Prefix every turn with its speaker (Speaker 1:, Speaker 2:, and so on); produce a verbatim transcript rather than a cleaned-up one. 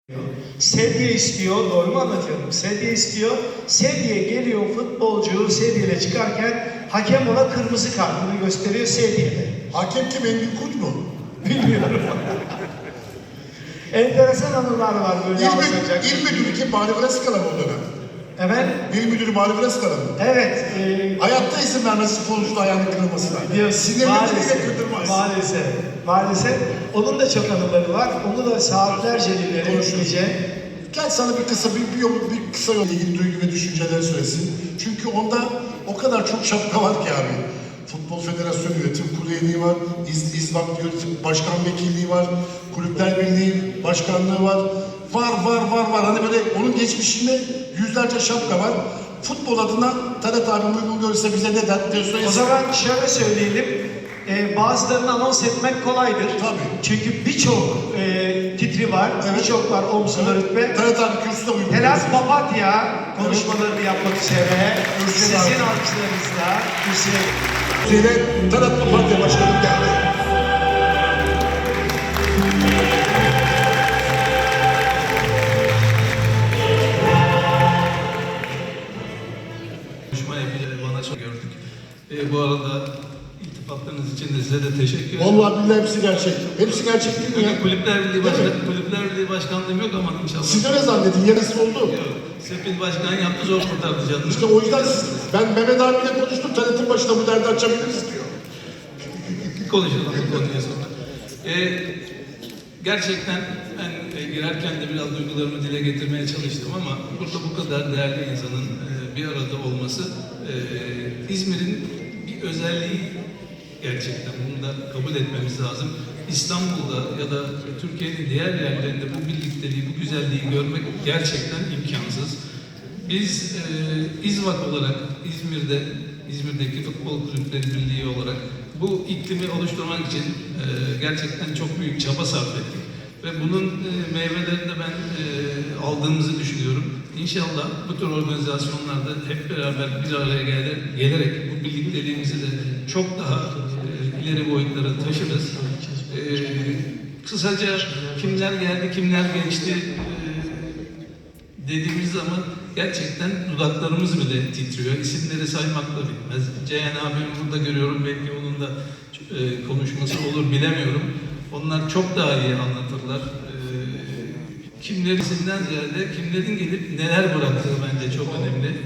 Speaker 1: Sedye istiyor, doğru mu anlatıyorum? Sedye istiyor, sedye geliyor, futbolcu sedyeyle çıkarken hakem ona kırmızı kartını gösteriyor sedyede.
Speaker 2: Hakem kim, Engin Kunç mu?
Speaker 1: Bilmiyorum. Enteresan anılar var böyle
Speaker 2: İl,
Speaker 1: anlatacak.
Speaker 2: müdür, il müdürü kim? Mali Vreskala mı o dönem?
Speaker 1: Efendim?
Speaker 2: İl müdürü Mali Vreskala mı?
Speaker 1: Evet. E,
Speaker 2: Hayatta izin vermez futbolcunun ayağını kırılmasına.
Speaker 1: diyor,
Speaker 2: Sinirli
Speaker 1: maalesef,
Speaker 2: bile kırdırmaz.
Speaker 1: maalesef, maalesef. Onun da çok anıları var. Onu da saatlerce dinlerim gece.
Speaker 2: Gel sana bir kısa bir, bir, yol, bir kısa yol ilgili duygu ve düşünceleri söylesin. Çünkü onda o kadar çok şapka var ki abi. Futbol Federasyonu Yönetim Kurulu üyeliği var, İz, İzvak Yönetim Başkan Vekilliği var, Kulüpler Birliği Başkanlığı var. Var var var var. Hani böyle onun geçmişinde yüzlerce şapka var. Futbol adına Talat abi uygun görürse bize ne der diye söylesin.
Speaker 1: O zaman şöyle söyleyelim. E, bazılarını anons etmek kolaydır.
Speaker 2: Tabii.
Speaker 1: Çünkü birçok e, titri var,
Speaker 2: Evet.
Speaker 1: birçok var omzunda
Speaker 2: Evet.
Speaker 1: rütbe.
Speaker 2: Talat abi kürsüde uygun
Speaker 1: Telat
Speaker 2: görürse.
Speaker 1: Papatya konuşmalarını yapmak üzere
Speaker 2: Kürsüye
Speaker 1: sizin
Speaker 2: davet.
Speaker 1: alkışlarınızla kürsüye.
Speaker 2: Şeyle Talat Papatya Başkanım geldi.
Speaker 3: Konuşma yapacağını bana çok gördük. E, bu arada iltifatlarınız için de size de teşekkür ederim.
Speaker 2: Vallahi billahi hepsi gerçek. Hepsi gerçek değil mi ya?
Speaker 3: Bugün Kulüpler Birliği,
Speaker 2: Değil
Speaker 3: Başkan,
Speaker 2: mi?
Speaker 3: Kulüpler Birliği Başkanlığım yok ama inşallah.
Speaker 2: Siz öyle zannedin, yarısı oldu.
Speaker 3: Yok. Sepil Başkan yaptı, zor kurtardı canını.
Speaker 2: İşte o yüzden siz, ben Mehmet abiyle konuştum, Talat'ın başına bu derdi açabiliriz diyor.
Speaker 3: Konuşalım bu konuya sonra. E, gerçekten ben e, girerken de biraz duygularımı dile getirmeye çalıştım ama burada bu kadar değerli insanın e, bir arada olması e, İzmir'in bir özelliği gerçekten. Bunu da kabul etmemiz lazım. İstanbul'da ya da Türkiye'nin diğer yerlerinde bu birlikteliği, bu güzelliği görmek gerçekten imkansız. Biz e, İzvak olarak İzmir'de, İzmir'deki Futbol Kulüpleri Birliği olarak bu iklimi oluşturmak için e, gerçekten çok büyük çaba sarf ettik. Ve bunun e, meyvelerini de ben e, aldığımızı düşünüyorum. İnşallah bu tür organizasyonlarda hep beraber bir araya gelir, gelerek bu birlikteliğimizi de çok daha e, ileri boyutlara taşırız. E, kısaca kimler geldi, kimler geçti e, dediğimiz zaman gerçekten dudaklarımız bile titriyor. İsimleri saymakla bitmez. Ceyhan abimi burada görüyorum. Belki onun da e, konuşması olur bilemiyorum. Onlar çok daha iyi anlatırlar. E, kimlerin isimden ziyade kimlerin gelip neler bıraktığı bence çok önemli.